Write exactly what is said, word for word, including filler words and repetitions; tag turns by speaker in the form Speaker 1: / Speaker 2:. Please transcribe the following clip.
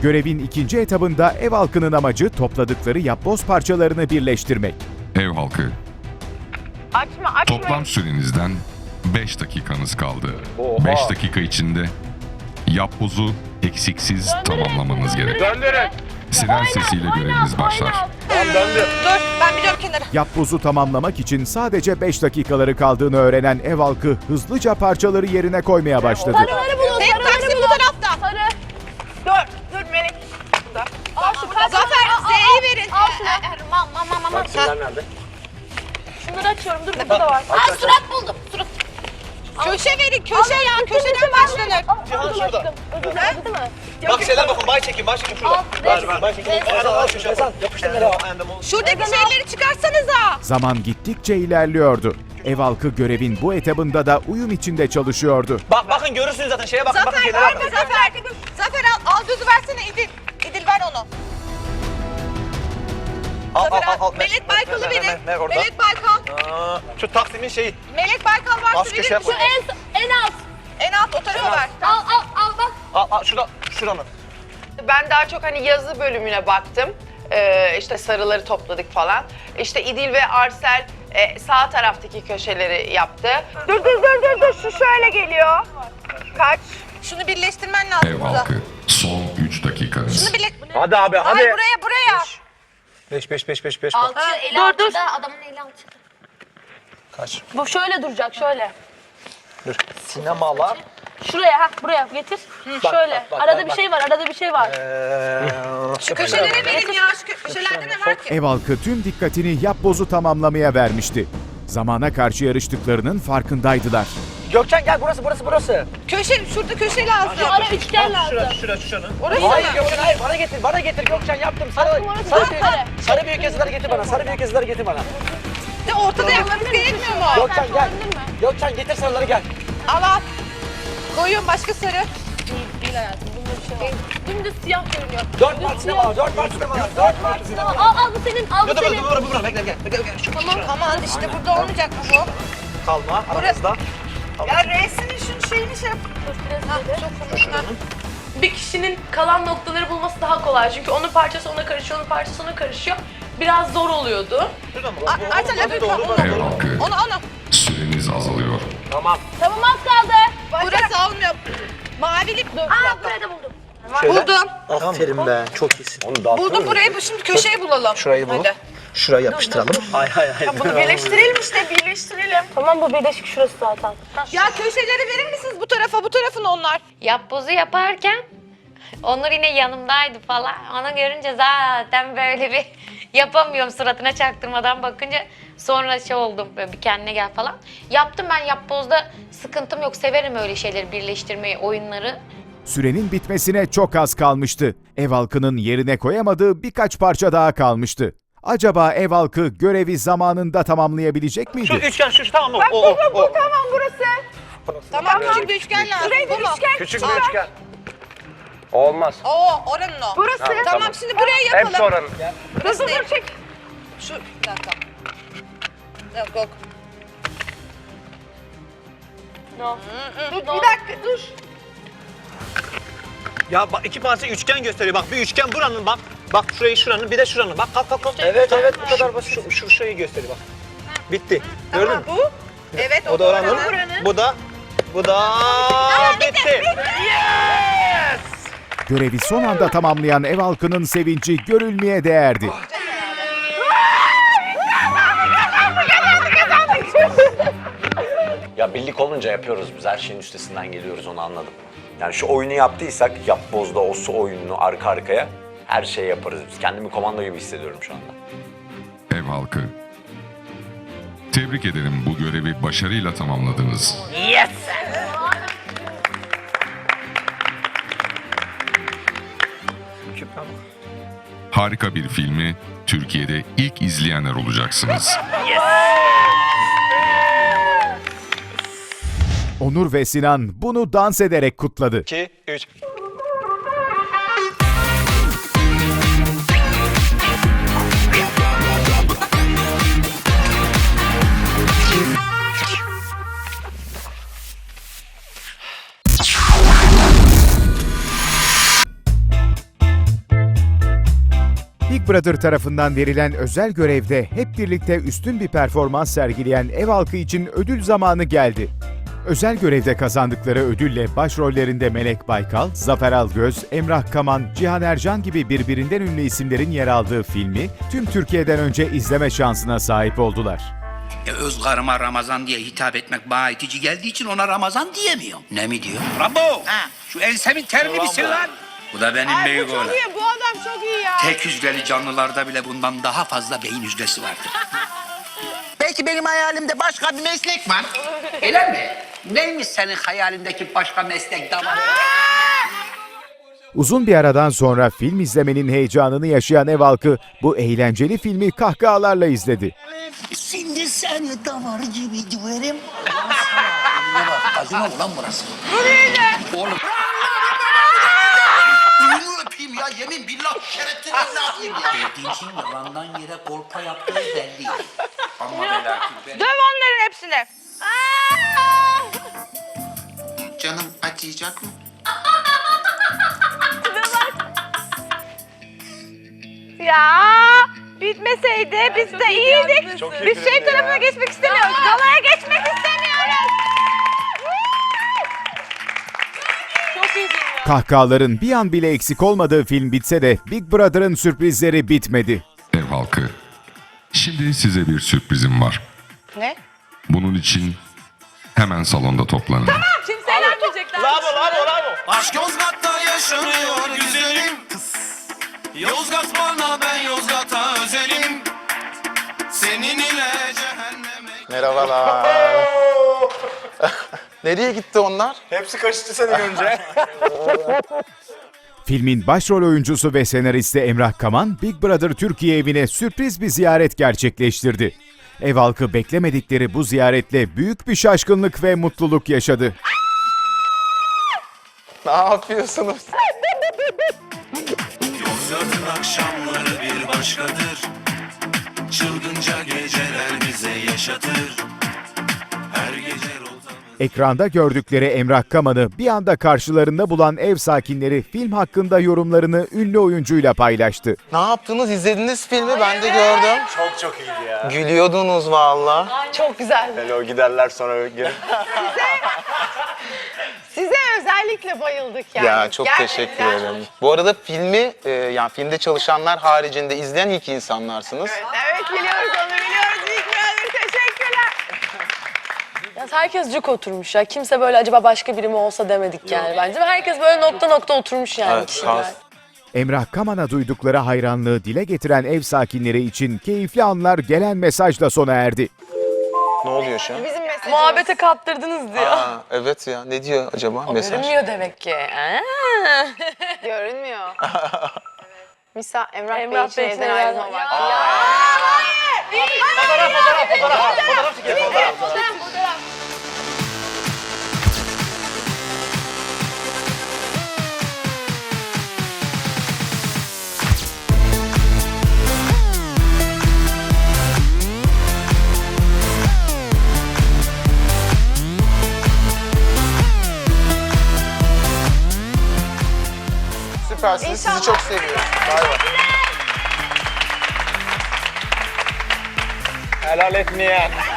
Speaker 1: Görevin ikinci etabında ev halkının amacı topladıkları yapboz parçalarını birleştirmek.
Speaker 2: Ev halkı,
Speaker 3: Açma açma.
Speaker 2: toplam sürenizden beş dakikanız kaldı.
Speaker 4: Oha.
Speaker 2: beş dakika içinde yapbozu eksiksiz tamamlamanız gerek.
Speaker 4: Döndürün.
Speaker 2: Siren sesiyle göreviniz başlar.
Speaker 4: Tamam döndü.
Speaker 3: Dur ben biliyorum kenara.
Speaker 1: Yapbozu tamamlamak için sadece beş dakikaları kaldığını öğrenen ev halkı hızlıca parçaları yerine koymaya başladı.
Speaker 5: Sarıları bulun,
Speaker 3: Benim
Speaker 5: sarıları
Speaker 3: taksim bu
Speaker 5: bulun.
Speaker 3: tarafta.
Speaker 5: Sarı.
Speaker 3: Dur dur Melek. Burada.
Speaker 5: Al şu kaç.
Speaker 3: Zafer
Speaker 5: Al, al,
Speaker 3: Z'yi
Speaker 5: al.
Speaker 3: verin.
Speaker 5: Al şunu.
Speaker 3: Mam mam mam mam.
Speaker 4: Taksimler nerede?
Speaker 5: Şunları açıyorum. Dur burada da var.
Speaker 3: Aa surat buldum. Surat. Köşe verin köşe ya. Köşeden başlanır.
Speaker 4: Cihan şurada.
Speaker 5: Ödül acıdı mı?
Speaker 4: Bak şeyler bakın bay çekin bay çekin şurada.
Speaker 5: Al,
Speaker 4: Ver ver bay çekin.
Speaker 5: Ezan,
Speaker 4: Al şu Ezan yapıştır nereye?
Speaker 3: Şuradaki şeyleri çıkarsanıza.
Speaker 1: Zaman gittikçe ilerliyordu. Ev halkı görevin bu etabında da uyum içinde çalışıyordu.
Speaker 4: Bak bakın görürsünüz zaten şeye bakın bakın
Speaker 3: Zafer
Speaker 4: şeylere
Speaker 3: verme
Speaker 4: bakın.
Speaker 3: Zafer. Zafer al, al düzü versene İdil. İdil ver onu.
Speaker 4: Al al
Speaker 3: Zafer
Speaker 4: al. al.
Speaker 3: Melek Baykal'ı
Speaker 4: Ver, ver,
Speaker 3: verin.
Speaker 4: ver, ver orada.
Speaker 3: Melek Baykal.
Speaker 4: Aa, şu Taksim'in şeyi.
Speaker 3: Melek Baykal varsa
Speaker 4: Az köşeye
Speaker 3: verir
Speaker 4: koy.
Speaker 3: misin?
Speaker 5: En, en alt.
Speaker 3: En alt o tarafa ver.
Speaker 5: Al al al bak.
Speaker 4: Al al şurada şuranın.
Speaker 6: Ben daha çok hani yazı bölümüne baktım. Ee, işte sarıları topladık falan. İşte İdil ve Arsel e, sağ taraftaki köşeleri yaptı.
Speaker 3: Dur dur dur dur dur şu şöyle geliyor. Kaç? Şunu birleştirmen lazım
Speaker 2: Ev
Speaker 3: burada.
Speaker 2: halkı, son üç dakikanız.
Speaker 3: Şunu birleş...
Speaker 4: Hadi abi hadi.
Speaker 3: Ay buraya buraya.
Speaker 4: beş beş beş beş beş.
Speaker 5: Alçı
Speaker 3: Ha,
Speaker 5: eli
Speaker 3: dur,
Speaker 5: alçıda,
Speaker 3: dur.
Speaker 5: adamın eli alçıda.
Speaker 4: Kaç?
Speaker 5: Bu şöyle duracak, şöyle.
Speaker 4: Dur. Sinemalar.
Speaker 5: Şuraya, ha buraya getir. şöyle.
Speaker 4: bak, bak,
Speaker 5: arada
Speaker 4: bak,
Speaker 5: bir
Speaker 4: bak.
Speaker 5: şey var, arada bir şey var.
Speaker 4: Eee.
Speaker 3: Şu köşelere verin ya. Şu kö- köşelerde ne var ki?
Speaker 1: Ev halkı tüm dikkatini yapbozu tamamlamaya vermişti. Zamana karşı yarıştıklarının farkındaydılar.
Speaker 4: Gökçen gel burası burası burası.
Speaker 3: Köşe, şurada köşe lazım.
Speaker 5: Şu ara üçgen lazım.
Speaker 4: Şurası şurası şuranın.
Speaker 3: Orası
Speaker 4: Hayır
Speaker 3: mı?
Speaker 4: Gökçen hayır bana getir bana getir Gökçen yaptım. Sarı
Speaker 5: orası
Speaker 4: sarı,
Speaker 5: çok
Speaker 4: büyük,
Speaker 5: kare.
Speaker 4: sarı büyük yazıları getir bana. Sarı büyük yazıları getir bana.
Speaker 3: De ortada yapmamız gerekmiyor mu?
Speaker 4: Gökçen gel. Gökçen getir sarıları gel.
Speaker 3: Al al. Koyuyorum başka sarı.
Speaker 5: Değil, değil hayatım. Bunda bir şey var. Dümdüz siyah görünüyor.
Speaker 4: Dört part sinema var. Dört part sinema var. Dört part sinema var.
Speaker 5: Al al bu senin, al bu
Speaker 4: Dur dur
Speaker 5: senin.
Speaker 4: dur dur dur bekle bekle bekle bekle. Şu
Speaker 3: Tamam aman işte burada olmayacak mı bu?
Speaker 4: kalma aramızda.
Speaker 3: Ya resmin şunun şeyini şey yap. Ha, çok konuşma.
Speaker 7: Bir kişinin kalan noktaları bulması daha kolay. Çünkü onun parçası ona karışıyor, onun parçası ona karışıyor. Biraz zor oluyordu.
Speaker 4: Şurada mı?
Speaker 3: A- Ayten öbür
Speaker 4: Doğru,
Speaker 3: onu.
Speaker 4: doğru.
Speaker 2: Ev halkı,
Speaker 3: Onu onu.
Speaker 2: süreniz azalıyor.
Speaker 4: Tamam.
Speaker 5: Tamam az kaldı.
Speaker 3: Burası olmuyor. Mavili. Dur.
Speaker 5: Aa buraya da buldum.
Speaker 3: Buldum.
Speaker 4: Aferin be. Çok iyisin. Onu da
Speaker 3: Buldum burayı. Şimdi köşeyi bulalım.
Speaker 4: Şurayı bul.
Speaker 3: Hadi.
Speaker 4: Şuraya yapıştıralım. Hay hay hay.
Speaker 3: Bunu birleştirelim işte birleştirelim.
Speaker 5: Tamam bu birleşik şurası zaten.
Speaker 3: Ya köşeleri verir misiniz bu tarafa? Bu tarafın onlar.
Speaker 8: Yapbozu yaparken Onur yine yanımdaydı falan. Onu görünce zaten böyle bir yapamıyorum suratına çaktırmadan bakınca sonra şey oldum böyle bir kendine gel falan. Yaptım ben yapbozda sıkıntım yok. Severim öyle şeyleri birleştirmeyi, oyunları.
Speaker 1: Sürenin bitmesine çok az kalmıştı. Ev halkının yerine koyamadığı birkaç parça daha kalmıştı. Acaba ev halkı görevi zamanında tamamlayabilecek miydi?
Speaker 4: Şu üçgen şu şu tamam mı? O o o.
Speaker 3: Tamam burası. Tamam küçük bir üçgen lazım. Burayı bir üçgen.
Speaker 4: Küçük bir üçgen. Olmaz.
Speaker 3: Oo oranın o. Burası.
Speaker 4: Ha,
Speaker 3: tamam,
Speaker 4: tamam.
Speaker 3: şimdi buraya yapalım.
Speaker 4: Hepsi oranın.
Speaker 3: Burası değil. Çek. Şu bir dakika. Yok yok.
Speaker 5: No.
Speaker 3: Dur bir dakika dur.
Speaker 4: Ya bak iki parça üçgen gösteriyor. Bak bir üçgen buranın bak. Bak şurayı şuranın bir de şuranın. Bak kalk kalk kalk. Evet evet bu kadar basit. Şu, şu şurayı gösteriyor bak. Bitti. Gördün
Speaker 3: Tamam
Speaker 4: mü?
Speaker 3: bu. Evet o,
Speaker 4: O da oranın. Bu da bu da bitti.
Speaker 1: Görevi son anda tamamlayan ev halkının sevinci görülmeye değerdi.
Speaker 9: Ya birlik olunca yapıyoruz biz. Her şeyin üstesinden geliyoruz, onu anladım. Yani şu oyunu yaptıysak, yapbozda o su oyununu arka arkaya her şeyi yaparız biz. Kendimi komando gibi hissediyorum şu anda.
Speaker 2: Ev halkı, tebrik ederim, bu görevi başarıyla tamamladınız.
Speaker 4: Yes.
Speaker 2: Harika bir filmi Türkiye'de ilk izleyenler olacaksınız.
Speaker 1: Onur ve Sinan bunu dans ederek kutladı.
Speaker 4: iki üç
Speaker 1: Big Brother tarafından verilen özel görevde hep birlikte üstün bir performans sergileyen ev halkı için ödül zamanı geldi. Özel görevde kazandıkları ödülle başrollerinde Melek Baykal, Zafer Algöz, Emrah Kaman, Cihan Ercan gibi birbirinden ünlü isimlerin yer aldığı filmi tüm Türkiye'den önce izleme şansına sahip oldular.
Speaker 10: E, öz karıma Ramazan diye hitap etmek bana itici geldiği için ona Ramazan diyemiyorum. Ne mi diyor? Rambo! Ha, şu ensemin terini bir sil lan! Bu da benim
Speaker 3: Ay,
Speaker 10: büyük
Speaker 3: bu çok
Speaker 10: oğlan.
Speaker 3: iyi. Bu adam çok iyi ya.
Speaker 10: Tek hücreli canlılarda bile bundan daha fazla beyin hücresi vardır. Belki benim hayalimde başka bir meslek var. Öyle mi? Neymiş senin hayalindeki başka meslek damarı?
Speaker 1: Uzun bir aradan sonra film izlemenin heyecanını yaşayan ev halkı bu eğlenceli filmi kahkahalarla izledi.
Speaker 10: Şimdi seni damar gibi döverim. Ne bak, acıma mı lan burası? Bu neydi? Oğlum. Ürünü öpeyim ya, yemin billah şerefsiz ne yapayım ya? Dediğin yalandan yere kolpa yaptığı belli. Ama ve lakin
Speaker 3: Döv onların hepsini.
Speaker 10: canım acıyacak mı?
Speaker 3: Ya bitmeseydi biz de iyiydik. Biz şey tarafına geçmek istemiyoruz. Galaya geçmek istemiyoruz.
Speaker 7: Çok iyi film ya.
Speaker 1: Kahkahaların bir an bile eksik olmadığı film bitse de Big Brother'ın sürprizleri bitmedi.
Speaker 2: Ev halkı. Şimdi size bir sürprizim var.
Speaker 3: Ne?
Speaker 2: Bunun için hemen salonda toplanın.
Speaker 7: Kimse eğlenmeyecekler.
Speaker 4: Bravo bravo bravo.
Speaker 11: Aşk Yozgat'ta yaşanıyor güzelim. Yozgat bana, ben Yozgat'a özelim. Senin ile cehenneme.
Speaker 12: Merhabalar. Nereye gitti onlar?
Speaker 4: Hepsi kaçtı seni görünce.
Speaker 1: Filmin başrol oyuncusu ve senaristi Emrah Kaman, Big Brother Türkiye evine sürpriz bir ziyaret gerçekleştirdi. Ev halkı beklemedikleri bu ziyaretle büyük bir şaşkınlık ve mutluluk yaşadı.
Speaker 12: Ne yapıyorsunuz?
Speaker 11: Yozgat'ın akşamları bir başkadır. Çılgınca geceler bize yaşatır. Her gece rozanı...
Speaker 1: Ekranda gördükleri Emrah Kaman'ı bir anda karşılarında bulan ev sakinleri film hakkında yorumlarını ünlü oyuncuyla paylaştı.
Speaker 12: Ne yaptınız? İzlediniz filmi, ben de gördüm.
Speaker 4: Çok çok iyiydi ya.
Speaker 12: Gülüyordunuz valla.
Speaker 6: Çok güzel.
Speaker 4: Hele o giderler sonra geri.
Speaker 6: Size özellikle bayıldık yani.
Speaker 12: Ya çok
Speaker 6: Gerçekten.
Speaker 12: teşekkür ederim. Bu arada filmi, e, yani filmde çalışanlar haricinde izleyen ilk insanlarsınız.
Speaker 6: Evet, evet biliyoruz onu biliyoruz. İlk bölüm teşekkürler.
Speaker 7: Ya herkes cuk oturmuş ya. Kimse böyle acaba başka biri mi olsa demedik yani bence. Herkes böyle nokta nokta oturmuş yani
Speaker 12: Evet,
Speaker 7: kişiler.
Speaker 12: sağ-
Speaker 1: Emrah Kaman'a duydukları hayranlığı dile getiren ev sakinleri için keyifli anlar gelen mesajla sona erdi.
Speaker 12: Ne oluyor şu an?
Speaker 6: Bizim mesajımız.
Speaker 7: Muhabbete kaptırdınız diyor.
Speaker 12: Aa, evet ya, ne diyor acaba mesaj?
Speaker 7: Görünmüyor demek ki. Aa.
Speaker 6: Görünmüyor. Misa Emrah,
Speaker 7: Emrah
Speaker 6: Bey
Speaker 7: Bey
Speaker 6: için neden ayrılma
Speaker 7: için
Speaker 6: var?
Speaker 7: ya.
Speaker 6: Ya.
Speaker 4: Fotoğraf fotoğraf fotoğraf. Fotoğraf çekelim fotoğraf.
Speaker 12: Süpersiniz, sizi çok seviyorum. Bay bay.
Speaker 4: Helal etmeyen.